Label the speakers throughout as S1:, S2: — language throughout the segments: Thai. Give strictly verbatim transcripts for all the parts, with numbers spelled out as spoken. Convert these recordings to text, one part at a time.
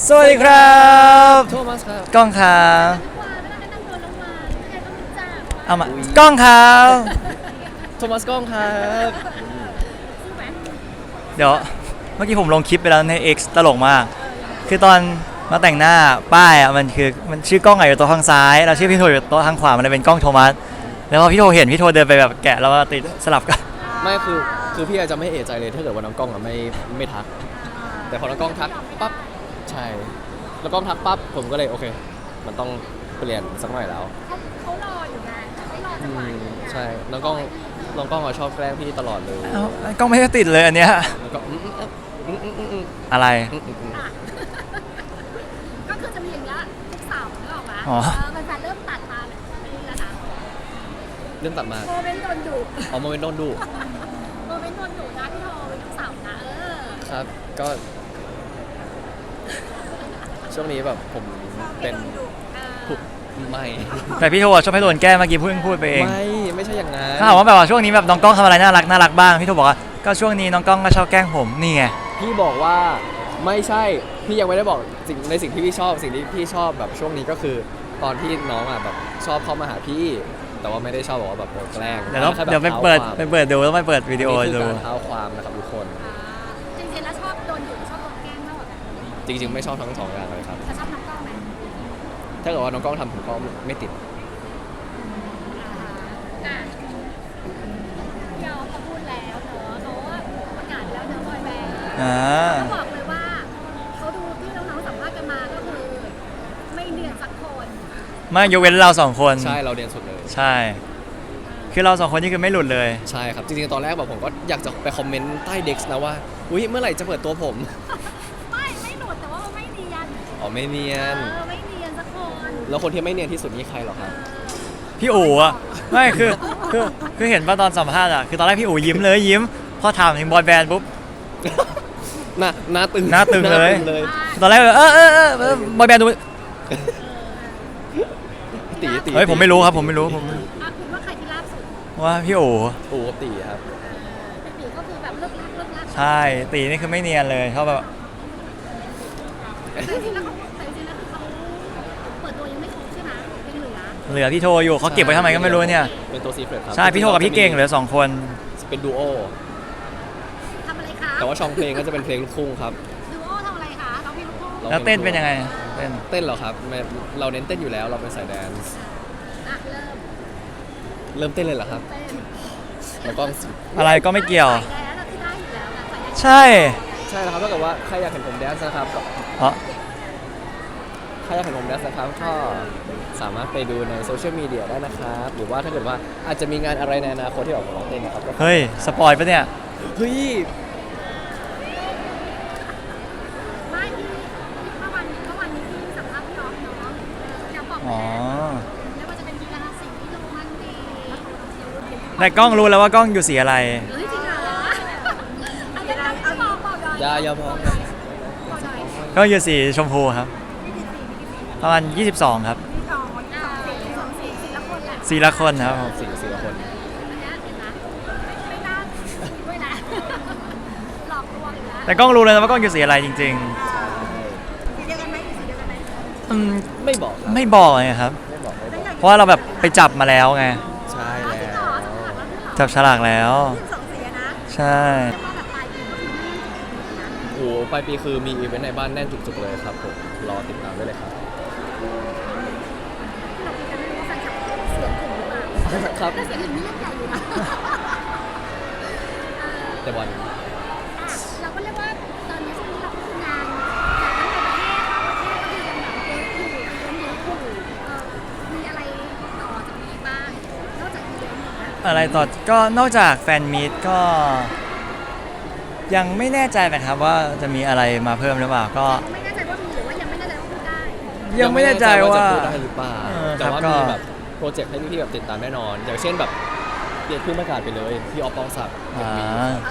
S1: สวัสดีครับ
S2: โทมัสครับ
S1: ก้องครับเอามา
S2: อุ๊ย
S1: ก้องครับ
S2: โทมัสกล้องครับ
S1: เดี๋ยวเมื่อกี้ผมลงคลิปไปแล้วใน X ตลกมากคือตอนมาแต่งหน้าป้ายอ่ะมันคือมันชื่อกล้องอยู่โต๊ะทางซ้ายแล้วชื่อพี่โทอยู่โต๊ะทางขวามันเลยเป็นกล้องโทมัสแล้วพอพี่โทเห็นพี่โทเดินไปแบบแกะแล้วก็ติดสลับกัน
S2: ไม่คือคือพี่อาจจะไม่เอะใจเลยถ้าเกิดว่าน้องกล้องอะไม่ไม่ทัก แต่พอน้องกล้องทักปั๊บใช่แล้วกล้องทักปั๊บผมก็เลยโอเค มันต้องเปลี่ยนสักหน่อยแล้ว
S3: เขาเขารออยู่ไงไม่รอ
S2: อื
S3: จังหวะ
S2: ม
S3: นี้
S2: ใช่น้องกล้องน้องกล้องเขาชอบแกล้งพี่ตลอดเลย
S1: เอ้ากล้องไม่ได้ติดเลยอันเนี้ย
S2: แล้วก็อืมอืมอืมอืมอืมอืม
S1: อะไร
S2: อืมอืมอืม
S3: อ่ะก็คือจะมีอย่างเงี้ยทุกเสาร์นึกออกปะ
S1: อ๋อ
S3: เออมันจะเริ่มตัดมาแบบนี้แล้วนะ
S2: เรื่องตัดมา
S3: โมเมนต์โดนดุ
S2: เอาโมเมนต์โดนดู
S3: โมเมนต์โดนดุนะพี่โทเป็นทุกเสาร์นะเออ
S2: ครับก็ ช่วงนี้แบบผมเป็น
S3: โดนดุเออ
S2: ผู้ไม่
S1: แต่พี่โทชอบให้โดนแกล้งเมื่อกี้เพิ่งพูดไปเอง
S2: ไม่ไม่ใช่อย่างนั้น
S1: ถ้าถามว่าแบบว่าช่วงนี้แบบน้องกล้องทำอะไรน่ารักน่ารักบ้างพี่โทบอกว่าก็ช่วงนี้น้องกล้องก็ชอบแกล้งผมนี่ไง
S2: พี่บอกว่าไม่ใช่พี่ยังไม่ได้บอกสิ่งในสิ่งที่พี่ชอบสิ่งที่พี่ชอบแบบช่วงนี้ก็คือ ตอนที่น้องอ่ะแบบชอบเข้ามาหาพี่ แต่ว่าไม่ได้ชอบบอกว่าแบบโดนแกล้ง
S1: เดี๋ยวเรา
S2: แค่แบบ
S1: เดี๋ยวไปเปิด
S2: ท้าความ
S1: ไปเปิดดูแล้วไปเปิดวิดีโอ
S2: นี่คือ
S1: ดู
S2: การเท้าความนะครับทุกคน
S3: อ่าจริงๆแล้วชอบโดนดุชอบโดนแกล้งมากกว่ากัน
S2: จริง ๆ ไม่ชอบทั้งสองอย่างเลยครับ
S3: จะชอบน้องกล้องไหม
S2: ถ้าเกิดว่าน้องกล้องทำผมก็ไม่ติด
S3: อ่าอ่ะพี่ออฟเขาพูดแล้วเนอะเขาว่าประกาศแล้วเนอะบอยแบนด์
S1: อ่า
S3: เขาบอกเลยว่าเขาดูที่น้องๆสัมภาษณ์กันมาก็คือไม่เนียนสักคน
S1: ไม่ยกเว้นเราสองคน
S2: ใช่เราเรียนสุดเลย
S1: ใช่ คือเราสองคนนี่คือไม่หลุดเลย
S2: ใช่ครับจริงๆตอนแรกแบบผมก็อยากจะไปคอมเมนต์ใต้เด็กนะว่าอุ้ยเมื่อไหร่จะเปิดตัวผม
S3: ไม่ไม่หลุดแต่ว่าไม่เนียน
S2: อ๋อไม่เนีย
S3: เอน อไม่เนียนสักคน
S2: แล้วคนที่ไม่เนียนที่สุดนี่ใครเหรอครับ
S1: พี่อู๋อะไม่คือคือคือเห็นป่ะตอนสัมภาษณ์อะคือตอนแรกพี่อู๋ยิ้มเลยยิ้มพอถามถึงบอยแบนด์ปุ๊บ
S2: หน้าหน้าตึง
S1: หน้าตึงเลย
S2: เลย
S1: ตอนแรกแบบเออเออเออเออบอยแบนด์ดู
S2: ตีตี
S1: เฮ้ยผมไม่รู้ครับผมไม่รู้ผม
S3: อ่ะคุณว่าใครที่ล่าสุด
S1: ว่าพี่อู๋
S2: โอ้ตีครับ
S3: เป็นปีก็คือแบบเลิกลักเลิกลัก
S1: ใช่ตีนี่คือไม่เนียนเลยเขาแบบ
S3: แต่จริงๆแล้วเขาแต่จริงๆแล้วคือเขาเปิดตัวยังไม่ครบใช่ไหมยังเหลือ
S1: เหลือพี่โทอยู่เขาเก็บไว้ทำไมก็ไม่รู้เนี่ย
S2: เป็นตัวซีเฟรตครับ
S1: ใช่พี่โทกับพี่เก่งเหลือสองคน
S2: เป็นดูโอ
S3: ทำอะไรคะ
S2: แต่ว่าช่องเพลงก็จะเป็นเพลงลูกทุ่งครับ
S3: ดูโอทำอะไรคะเราพี่ลูกทุ่ง
S2: รา
S1: แล้วเต้นเป็นยังไงเต้น
S2: เต้นเหรอครับไม่เราเน้นเต้นอยู่แล้วเราเป็นสายแดนซ์
S3: อ่ะเริ่ม
S2: เริ่มเต้นเลยเหรอครับ
S3: เต้น
S2: แล้วก็
S1: อะไรก็ไม่เกี่ยว
S3: ใส่แล้วเราที่ได้อยู่แล้วนะใส่ได้
S1: ใช่
S2: ใช่แล้วครับถ้าเกิดว่าใครอยากเห็นผมแดนซ์นะครับก็
S1: อ๋อ
S2: ใครอยากเห็นผมแดนซ์นะครับก็สามารถไปดูในโซเชียลมีเดียได้นะครับหรือว่าถ้าเกิดว่าอาจจะมีงานอะไรในอนาคตที่ออกมาร้องเต้นนะครับก็
S1: เฮ้ยสปอยปะเนี่ย
S2: เฮ้ย
S3: ไม่ที่เมื่อวันเมื่อวันนี้ที่สัมภาษณ์พี่ออฟเนาะจะบอก
S1: อ๋อ
S3: แล้วไม่ว่าจะเป็นกีฬาสีโรมันดี
S1: แต่กล้องรู้แล้วว่ากล้องอยู่สีอะไร
S3: เฮ้ยจริงเหรออันนี้เอาบอกบอกหน่อย
S2: อยาอยาพอง
S3: บอกหน่อย
S1: ก็อยู่สีชมพูครับ ประมาณยี่สิบสองครับ
S3: สองอ่าสี่สองสี่สี่ละคนแหละ
S1: สีละคนครับผม
S2: สี่สี่คน
S3: อันเนี้ยเห็นไหมไม่ไม่น่าด้วยนะหลอกลวงอีกแล้ว
S1: แต่กล้องรู้เลยนะว่ากล้องอยู่สีอะไรจริง
S3: สีเดียวกันไหมสีเดียวกันไหม
S1: ๆอืม
S2: ไม่บอกครับ
S1: ไม่บอกเลยครับ
S2: ไม่บอกไม่บอก
S1: เพราะว่าเราแบบไปจับมาแล้วไง
S2: ใช่
S3: อ๋อ
S2: แล้
S3: จริงเหรอ
S2: ว
S3: จับฉลากแล้วด้วยเหรอ
S1: จับฉลากแล้ว
S3: ยี่สิบสองสีอะนะ
S1: ใช่
S3: เรียกว่าแบบปลายปีก็คือไม่มีนะ
S2: โอ้โหปลายปีคือมีอีเวนต์ในบ้านแน่นจุกๆเลยครับผมรอติดตามได้เลยครับ
S3: เราคุยกันไม่รู้ว่าแฟนคลับเสียงถึงหรือเปล่า
S2: ครับ
S3: แต่เสียงถึงนี่ยังใหญ่อยู่นะเออ
S2: แต่บอล
S3: อ่ะเราก็เรียกว่าตอนนี้ช่วงนี้เราก็ทำงานจากทั้งในประเทศต่างประเทศก็คือยังแบบเยอะอยู่ยังเยอะอยู่เออมีอะไรต่อจากนี้บ้างนอกจากอีเวนต์นี้นะ
S1: อะไรต่อก็นอกจากแฟนมีตก็ ยังไม่แน่ใจนะครับว่าจะมีอะไรมาเพิ่มหรือเปล่าก็
S3: ไม่แน่ใจว่ามีหรือว่ายังไม่แน่ใจว่าพูดได้
S1: ยังไม่แน่ใจว่า
S2: จะพูดได้หรือเปล่า
S1: เออ
S2: แต่
S1: ครับ
S2: ว่า
S1: ก็
S2: มีแบบโปรเจกต์ให้พี่ๆแบบติดตามแน่นอน อย่างเช่นแบบเปลี่ยนขึ้นประกาศไปเลยพี่ออฟปองศักดิ์
S1: อ่า
S3: เอ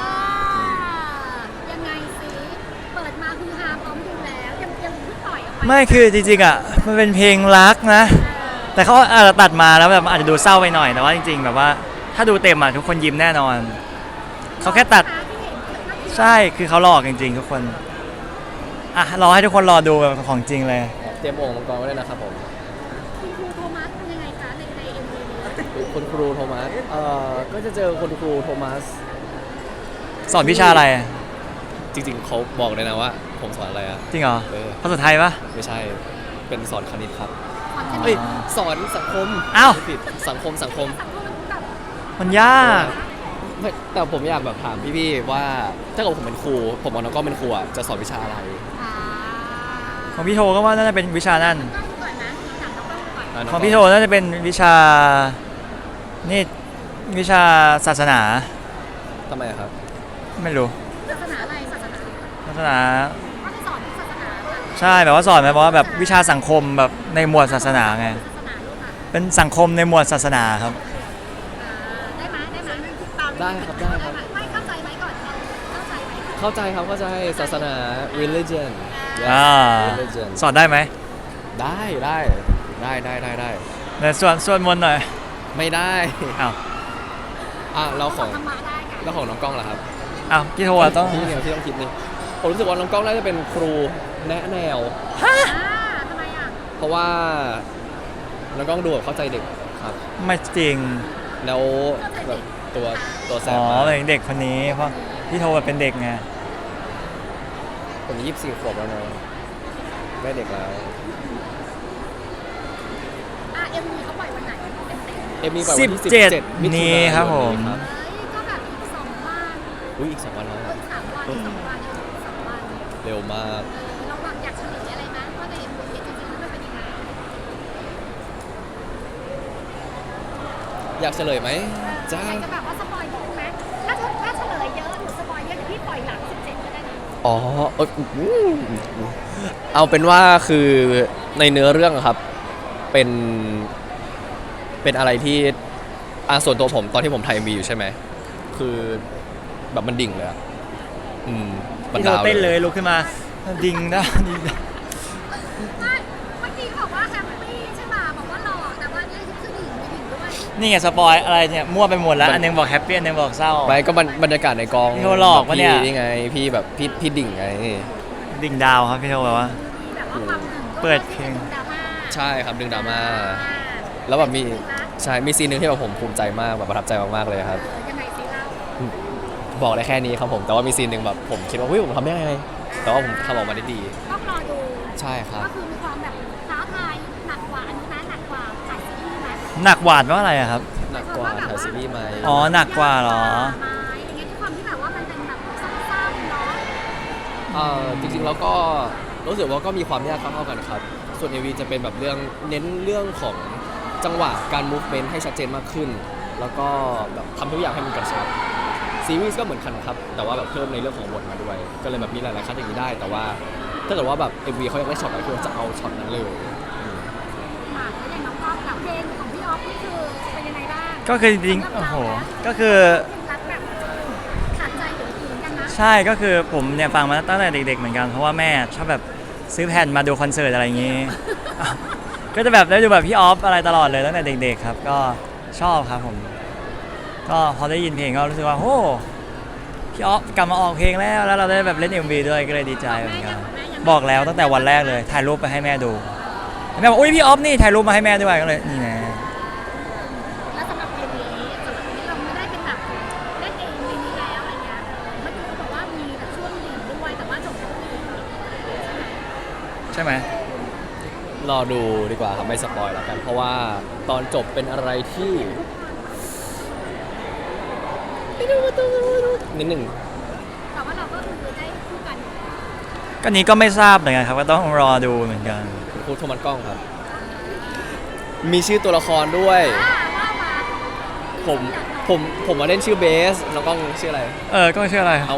S3: อยังไงสิเปิดมาคือฮาพร้อมดูแล้วยังยังเพิ่งปล่อยออกไป
S1: ไม่คือจริงๆอ่ะมันเป็นเพลงรักนะ แต่เขาอาจจะตัดมาแล้วแบบอาจจะดูเศร้าไปหน่อยแต่ว่าจริง ๆ แบบว่าถ้าดูเต็มอ่ะทุกคนยิ้มแน่นอน เขาแค่ตัด
S3: ที่เห็นน่าจะ
S1: ใช่คือเขาหลอกจริงๆทุกคน
S3: เ
S1: อ่ะรอให้ทุกคนรอดูแบบของจริงเลย
S2: เตรียมโอ่งมังกรไว้ด้วยนะครับผม
S3: คุณครูโทมัสเป็นยังไงคะในในเอ็มวีนี้
S2: คุณครูโทมัสเอ่อก็จะเจอคุณครูโทมัส
S1: สอนวิชาอะไร
S2: จริงๆเขาบอกเลยนะว่า ผมสอนอะไรอะ
S1: จริงเหรอ
S2: เออ
S1: ภาษาไทยปะ
S2: ไม่ใช่เป็นสอนคณิตครับ
S3: สอนค
S2: เอ้
S3: ณิ
S2: ย
S3: ต
S2: สอนสังคม
S1: อ้าว
S2: ผิดสังคมสังคม
S3: สังคมแบบ
S1: มันยาก
S2: ไม่แต่ผมอยากแบบถามพี่ๆว่าถ้าเกิดผมเป็นครู ผมกับน้องก็เป็นครูอะจะสอนวิชาอะไร
S3: อ่า
S1: ของพี่โทก็ว่าน่าจะเป็นวิชานั่น
S3: ต้องก่อนนะถามน้องต้องก่อน
S2: อ่ะน้
S1: ของพี่โทน่าจะเป็นวิชา นี่วิชาศาสนา
S2: ทำไมอะครับ
S1: ไม่รู้
S3: ศาสนาอะไรศาสนา
S1: ศาสนา
S3: ก็จะสอนศาสนาค่ะ
S1: ใช่แบบว่าสอนแบบว่าแบบวิชาสังคมแบบในหมวดศาสนาไง
S3: ศาสนาลูกค่ะ
S1: เป็นสังคมในหมวดศาสนาครับ
S3: อ่าได้ไหมได้ไหมตาม
S2: ได้ครับได้ครับ
S3: หมไม่เข้าใจไหมก่อนเข้าใจไหม
S2: เข้าใจครับเข้าใจศาสนา religion Yes,
S1: อ่า
S2: religion
S1: สอนได้ไหม
S2: ได้ได้ได้ได้ได้ได้
S1: เดี๋ยวส่วนส่วนมนต์หน่อย
S2: ไม่ได้
S1: อ้าว
S2: อ่ะเราของ
S3: ธรรมะได้ค่ะ
S2: เราของน้องกล้องล่ะครับ
S1: อ้าวพี่โทอะต้อง
S2: ที่เนี่ยที่ต้องคิดนี่ผมรู้สึกว่าน้องกล้องน่าจะเป็นครูแนะแนว
S3: อ่าทำไมอ่ะ
S2: เพราะว่าน้องกล้องดูแบบเข้าใจเด็กครับ
S1: ไม่จริง
S2: แล้วแบบตัวตัวแสบ
S1: อ๋อ
S2: มาก
S1: เป็นเด็กคนนี้เพราะพี่โทแบบเป็นเด็กไง
S2: ผมยี่สิบสี่ขวบแล้วนะไม่เด็กแล้ว
S3: อ่ะเอ็มวีเขาปล่อยวันไหนเต็มๆ
S2: เอ็มมีปล่อยวันที่
S1: สิบเจ็ด
S2: สิบเจ็ดมิถุ
S1: นี้
S2: นายน
S1: ครับผม
S2: ครับ
S3: เฮ้ยก็แบบอีกสองวัน
S2: อุ้ยอีกสองวันแล้ว
S3: เอ้ยสามวันสองวันสองวัน
S2: เร็วมาก
S3: เออเราแบบอยากเฉลยอะไรไหมว่าในเอ็มวีจริงๆแล้วมันเป็นยังไง
S2: อยากเฉลยไหมจ้า
S3: อยากจะแบบว่าสปอยนิดนึงไหมถ้าถ้าเฉลยเยอะหรือสปอยเยอะเดี๋ยวพี่ปล่อยหลังสิบเจ็ดก็ได้นะ
S2: อ๋อเอยอืมเอาเป็นว่าคือในเนื้อเรื่องอะครับ เป็น เป็นอะไรที่อ่าส่วนตัวผมตอนที่ผมถ่ายมีอยู่ใช่ไหม คือแบบมันดิ่งเลยอะอืมมัน
S1: พี่โท
S2: ดาว
S1: เต้นเลยลุกขึ้นมาดิงนะดิงนะ
S3: ไม่เมื่อกี้บอกว่าแฮปปี้ใช่ป่ะบอกว่าหล่อแต่ว่านี่คือหญิงมีหญิงด้วย
S1: นี่ไงสปอยอะไรเนี่ยมั่วไปหมดแล้ว อันหนึงบอกแฮปปี้อันหนึงบอกเศร้า
S2: ไปก็บรรบรรยากาศในกอง
S1: พี่โทหลอกปะเนี่ย
S2: พี่นี่ไง พี่แบบพี่พี่ดิ่งไง
S1: ดิ่งดาวครับพี่โทแบบว่า
S3: มีแบบว่าความหนึ่ง
S1: เปิดเพลง
S3: ดราม่า
S2: ใช่ครับดึงดราม่า แล้วแบบมีใช่ มีซีนหนึ่งที่แบบผมภูมิใจมากแบบประทับใจมากๆเลยครับ
S3: เออยังไงสิเล่า
S2: บอกได้แค่นี้ครับผม แต่ว่ามีซีนหนึ่งแบบผมคิดว่าเฮ้ยผมทำได้ไง แต่ว่าผมทำออกมาได้ดี
S3: ต้องรอดู
S2: ใช่ครับ
S3: ก็คือมีความแบบท้าทายหนักกว่าอันนี้นะหนักกว่าถ่ายซีรีส์ไหม
S1: หนักหวาดว่าอะไรอะครับ
S2: หนักกว่าถ่ายซีรีส์ไหม
S1: อ๋อหนักกว่าเหรอ
S3: ไม้อย่างเงี้ยด้วยความที่แบบว่ามันเป็นแบบซ้ำๆเนาะ
S2: เอ่อจริงๆแล้วก็รู้สึกว่าก็มีความยากเท่าๆกันครับ ส่วน เอ วี จะเป็นแบบเรื่องเน้นเรื่องของจังหวะการ movement ให้ชัดเจนมากขึ้น แล้วก็แบบทำทุกอย่างให้มันกระชับ ซีรีส์ก็เหมือนกันครับ แต่ว่าแบบเพิ่มในเรื่องของบทมาด้วย ก็เลยแบบมีหลายๆคัดอย่างนี้ได้ แต่ว่าถ้าเกิดว่าแบบ เอ็ม วี เขาอยากได้ช็อตไหนคือจะเอาช็อตนั้นเลยอืม
S3: อ่ะแล้วอย่างน้องก๊อฟกับเพลงของพี่ออฟนี่คือเป็นยังไงบ้าง
S1: ก็คือจริงๆโอ้โหก็คือ
S3: เพลงรักแบบขาดใจหรือเหมือนกันนะ
S1: ใช่ก็คือผมเนี่ยฟังมาตั้งแต่เด็กๆเหมือนกันเพราะว่าแม่ชอบแบบซื้อแผ่นมาดูคอนเสิร์ตอะไรอย่างงี้ ก็จะแบบได้ดูแบบพี่ออฟอะไรตลอดเลยตั้งแต่เด็กๆครับก็ชอบครับผม ก็พอได้ยินเพลงก็รู้สึกว่าโอ้พี่ออฟกลับมาออกเพลงแล้วแล้วเราได้แบบเล่น เอ็ม วี ด้วยก็เลยดีใจเหมือนกันบอกแล้วตั้งแต่วันแรกเลยถ่ายรูปไปให้แม่ดูแม่บอกอุ้ยพี่ออฟนี่ถ่ายรูปมาให้แม่ด้วยก็เลยนี่นะ
S3: แล้วสำหรับเพลงนี้สำหรับเพลงนี้เราไม่ได้เป็นแบบเล่นเองเพลงนี้แล้วอะไรเงี้ยเมื่อกี้เขาบอกว่ามีแบบช่วงดิ่งด้วยแต่ว่าจบแล้วก็มี
S1: ใช่ไหม
S2: รอดูดีกว่าครับไม่สปอยแล้วกัน เพราะว่าตอนจบเป็นอะไรที่นิดหนึ่ง
S3: แต่ว่าเราก็คือได้คู่กัน
S1: ก็นี้ก็ไม่ทราบเหมือนกันครับก็ต้องรอดูเหมือนกัน
S2: คุณครูโทมัสกล้องครับ มีชื่อตัวละครด้วย
S3: อ่าว่ามา
S2: ผมผมผมมาเล่นชื่อเบสน้องกล้องชื่ออะไร
S1: เออก็ไม่ชื่ออะไร
S2: เอา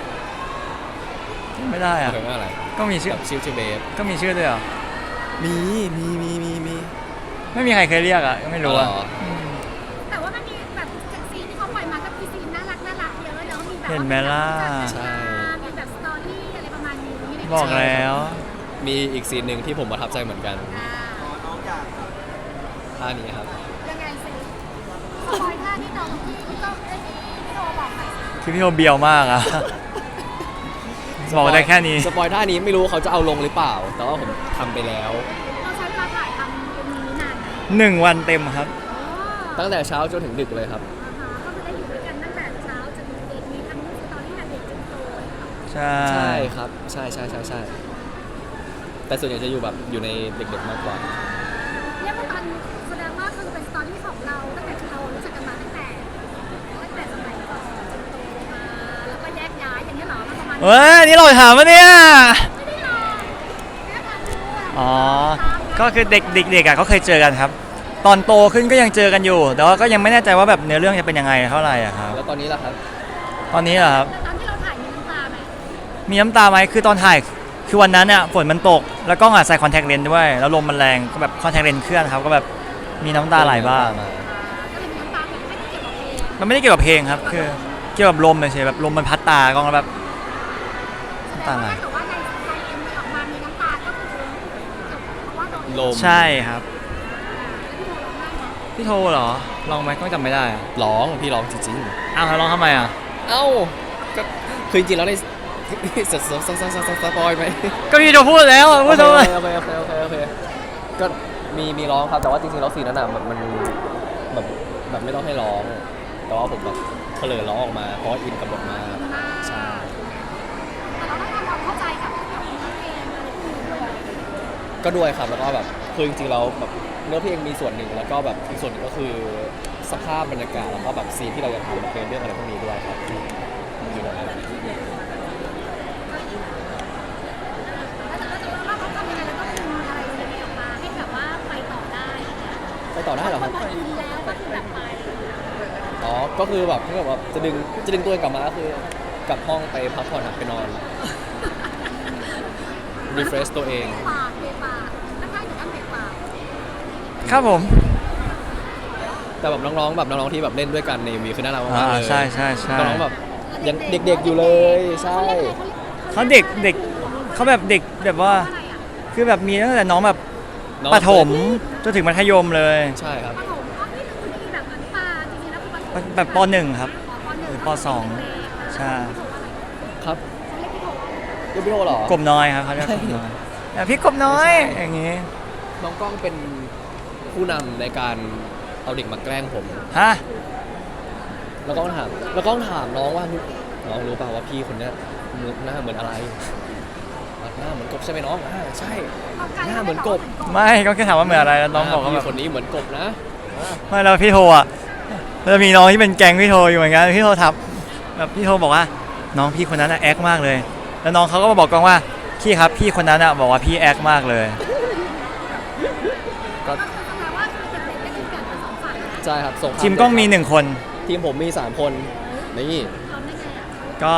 S1: ไม่ได้อะ
S2: เรียกว่าอะไร
S1: ก็มีชื่อ
S2: แบบชื่อชื่อเบส
S1: ก็มีชื่อด้วยเหรอ
S2: มีมีมีมีมี
S1: ไม่มีใครเคยเรียกอ่ะก็ไม่รู้อ่ะ
S2: อ๋อ
S1: ม
S3: แต่ว่ามันมีแบบซีนที่เขาปล่อยมาก็มีซีนน่ารักน่ารักเยอะเนาะมีแบบ
S1: เห็นไหมล่ะ
S2: ใช่
S3: มีแบบสตอรี่อะไรประมาณนี้
S1: บอกแล้ว
S2: มีอีกซีนหนึ่งที่ผมประทับใจเหมือนกัน
S3: อ่า
S2: ท่านี้ครับ
S3: ยังไงสิสปอยท่าที่น้องที่พี่ก็ได้ที่พี่โทรบอกไป
S1: คือพี่โทเบียวมากอ่ะ
S3: เ
S1: บอกได้แค่นี้
S2: สปอยท่านี้ไม่รู้เขาจะเอาลงหรือเปล่า แต่ว่าผมทำไปแล้ว
S3: เราใช้เวลาถ่ายทำเป็นนี้นานไหม
S1: หนึ่งวันเต็มครับ
S2: ตั้งแต่เช้าจนถึงดึกเลยครับ
S3: อ่าฮะก็คือได้อยู่ด้วยกันตั้งแต่เช้าจนเด็กมีทั้งตอนที่เด็กจนโตเลยค่ะ
S1: ใช่
S2: ใช่ครับ ใช่ใช่ใช่ใช่แต่ส่วนใหญ่จะอยู่แบบอยู่ในเด็กๆมากกว่า
S3: เรียกว่าตอนแสดงว่าคือเป็นสตอรี่ของเราตั้งแต่ที่เรารู้จักกันมาตั้งแต่ตั้งแต่สมัยก่อนจนโตมาแล้วก็แยกย้ายอย่างนี้เหรอมันประมาณ
S1: เฮ้ยนี่เราถามวะเนี่ย
S3: ไม่ได้หรอกแค่การดูอะ
S1: อ๋อ ก็คือเด็กเด็กๆอ่ะเขาเคยเจอกันครับ ตอนโตขึ้นก็ยังเจอกันอยู่ แต่ว่าก็ยังไม่แน่ใจว่าแบบเนื้อเรื่องจะเป็นยังไงเท่าไหร่อะครับ
S2: แล้วตอนนี้ล่ะครับ
S1: ตอนนี้เหรอครับ
S3: แต่ตอนที่เราถ่ายมีน้ำตาไหม
S1: มีน้ำตาไหมคือตอนถ่าย คือวันนั้นเนี่ยฝนมันตก แล้วกล้องอ่ะใส่คอนแทคเลนส์ด้วย แล้วลมมันแรง ก็แบบคอนแทคเลนส์เคลื่อนครับ ก็แบบมีน้ำตาไหลบ้าง
S3: ก็เลยมีน้ำตาแบบไม่ได้เกี่ยวกับเพลง
S1: มันไม่ได้เกี่ยวกับเพลงครับ คือเกี่ยวกับลมเฉยๆแบบลมมันพัดตากล้องแล้วแบบ
S3: แสดงว่าถ้าเกิดว่าในในเอ็มออกมามีน้ำตาก็คือเพราะว่าโดน
S2: ลม
S1: ใช่ครับ
S3: แล้วพี่โทรร้องได้ไหม
S1: พี่โทรเหรอ ลองไหมก็จำไม่ได้อะ
S2: ร้องพี่ร้องจริง
S1: อ้าวแล้วร้องทำไมอ่ะ
S2: ๆ เอ้าก็คือจริงๆแล้วใน สสสสสสปอยไหม
S1: ก็พี่โทรพูดแล้วอะพูดทำไม
S2: โอเคโอเคโอเคโอเคโอเคก็มีมีร้องครับแต่ว่าจริงๆแล้วซีนนั้นอ่ะแบบมันแบบแบบไม่ต้องให้ร้อง แต่ว่าผมแบบเผลอร้องออกมาเพราะว่าอินกับบทมากใช่
S3: แต่เราต้องทำความเข้าใจกับกับเนื้อเพลงอะไรพวกนี้ด้วย
S2: ก็ด้วยครับแล้วก็แบบคือจริงๆแล้วแบบเนื้อเพลงมีส่วนหนึ่งแล้วก็แบบอีกส่วนหนึ่งก็คือสภาพบรรยากาศแล้วก็แบบซีนที่เราจะทำเป็นเรื่องอะไรพวกนี้ด้วยครับที่อยู่ในนั้น
S3: แล้วแต่แล้วแต่ว่าเขาทำยังไงแล้วก็ดึงอะไรสิ่งนี้ออกมาให้แบบว่าไปต่อได้อย่างเงี้ย
S2: ไปต่อได้เหรอครับ
S3: พอดีแล้วก็คือแบบไป
S2: อ๋อ ก็คือแบบถ้าแบบว่าจะดึงจะดึงตัวเองกลับมาก็คือกลับห้องไปพักผ่อนครับไปนอน refresh ตัวเอง
S3: ปากเบปากถ้าใครถึงอันเบปาก
S1: ครับผม
S2: แต่แบบน้องๆแบบน้องๆที่แบบเล่นด้วยกันใน เอ็ม วีคือน่ารัก
S1: อ่าม
S2: ากๆเลย
S1: ใช่ใช่ใช่
S2: น้องๆแบบยังเด็กๆอยู่เลยใช่
S1: เขาเด็กเด็กเขาแบบเด็กแบบว่า
S3: อะไรอ่ะ
S1: คือแบบมีตั้งแต่น้องแบบ
S2: น้อง
S1: ประถมจนถึงมัธยมเลย
S2: ใช่ครับ
S3: ปฐมอ๋อนี่คือมีแบบอนุบาลจริงๆแล้วคือปฐม
S1: แบบปหนึ่งครับ
S3: ปหนึ่ง
S1: หรือปสองใช่
S2: ครับ
S3: เขาเรียกพี่โถ
S2: เรียกพี่โทเหรอก
S1: บน้อยครับเขาเรียกกบน้อยแต่พี่กบน้อยอย่างงี้
S2: น้องกล้องเป็นผู้นำในการเอาเด็กมาแกล้งผม
S1: ฮะ
S2: แล้วก็ถามแล้วก็ถามน้องว่าน้องรู้เปล่าว่าพี่คนเนี้ยหน้าเหมือนอะไรหน้าเหมือนกบใช่ไหมน้องอ่าใช่ หน้าเหมือนกบ
S1: ไม่ก็แค่ถามว่าเหมือนอะไรแล้วน้องบอกว่าแบ
S2: พี่
S1: บ
S2: คนนี้เหมือนกบนะอ่า
S1: ไม่แล้วพี่โทรอ่ะแล้วมีน้องที่เป็นแก๊งพี่โทรอยู่เหมือนกันพี่โทรทับแบบพี่โทรบอกว่าน้องพี่คนนั้นอะแอคมากเลย แล้วน้องเขาก็มาบอกกองว่าพี่ครับพี่คนนั้นอะบอกว่าพี่แอคมากเลย
S2: ก็
S3: ก็คือแสดงว่าคือเด็กๆก็คือแบ่งเป็นสองฝ่ายนะ
S2: ใช่ครับส่งภาพ
S1: ทีมกล้องมีหนึ่งคน
S2: ทีมผมมีสามคนนี่
S3: ทำได้ไงอ่ะ
S1: ก็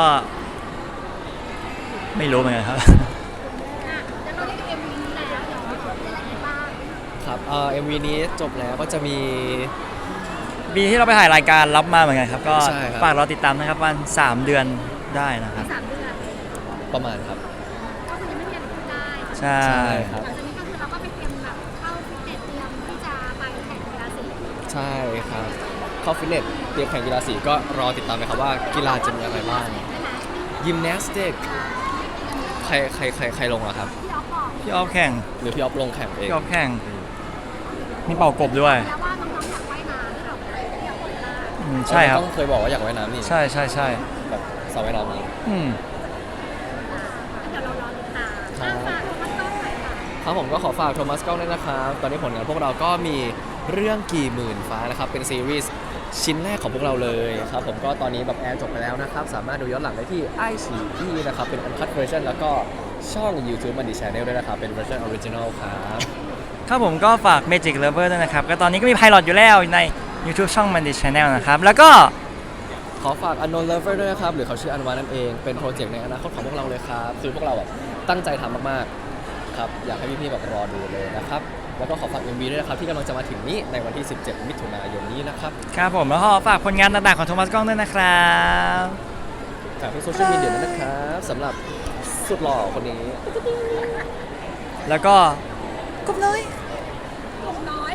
S1: ไม่รู้เหมือนกันครับ
S3: อ่ะเดี๋ยวเราได้ดูเอ็มวีนี้แล้วเดี๋ยวเราจะได้เห็นบ้าง
S2: ครับเอ่อ เอ็ม วี นี้จบแล้วก็จะมี
S1: ปีที่เราไปถ่ายรายการรับมาเหมือนกันครับ ก็
S2: ใช่ครับ
S1: ฝากรอติดตามนะครับวันสามเดือนได้นะครับ
S3: สามเดือน
S2: ประมาณครับ
S3: ก็คือยังไม่มีอะไรพูดได้
S1: ใช่
S2: ใช่ครับ
S3: หลังจากนี้ก็คือเราก็ไปเตรียมแบบเข้าฟิตเนสเตรียมที่จะไปแข่งกีฬาสี
S2: ใช่ครับเข้าฟิตเนสเตรียมแข่งกีฬาสีก็รอติดตามนะครับว่ากีฬาจะมีอะไรบ้าง
S3: ได้ไหม
S2: ยิมนาสติกใครใครใครใครลงอะครับ
S3: ที่ออฟบอก
S1: พี่ออฟแข่ง
S2: หรือพี่ออฟลงแข่งเอง
S1: พี่ออฟแข่งมีเป่ากบด้วย
S3: แล้วว่าน้องๆอยากว่ายน้ำที่เราไปที่ออฟบอกว่า
S1: อืมใช่ครับ
S2: ต้องเคยบอกว่าอยากว่ายน้ำนี่
S1: ใช่ใช่ใช่
S2: แบบสระว่ายน้ำนี้
S1: อืม
S3: เดี๋ยวเรารอติดตาม
S2: ครับ
S3: อ่ะฝากมันต้องไหนค่ะ
S2: ครับผมก็ขอฝากโทมัสกล้องด้วยนะครับ ตอนนี้ผลงานพวกเราก็มีเรื่องกี่หมื่นฟ้านะครับ เป็นซีรีส์ชิ้นแรกของพวกเราเลยครับผมก็ตอนนี้แบบแอร์จบไปแล้วนะครับ สามารถดูย้อนหลังได้ที่ ไอ ซี อี นะครับ เป็น Uncut Version แล้วก็ช่อง YouTube Monday Channel ด้วยนะครับ เป็น Version Original ครับ
S1: ครับผมก็ฝาก Magic Lover ด้วยนะครับ ก็ตอนนี้ก็มีไพลอตอยู่แล้วใน YouTube ช่อง Mandy Channel นะครับ แล้วก็
S2: ขอฝาก Unknown Lover ด้วยนะครับ หรือเขาชื่ออันวานั่นเอง เป็นโปรเจกต์ในอนาคตของพวกเราเลยครับ คือพวกเราแบบตั้งใจทำมากๆ ครับ อยากให้พี่ๆแบบรอดูเลยนะครับ แล้วก็ขอฝาก เอ็ม วี ด้วยนะครับ ที่กำลังจะมาถึงนี้ในวันที่ สิบเจ็ด มิถุนายนนี้นะครับ
S1: ครับผมแล้วก็ฝากผลงานต่างๆของโทมัสกล้องด้วยนะครับ
S2: ฝากที่โซเชียลมีเดียด้วยนะครับสำหรับสุดหล่อคนนี้
S1: แล้วก็กบน้อย
S3: กบน้อย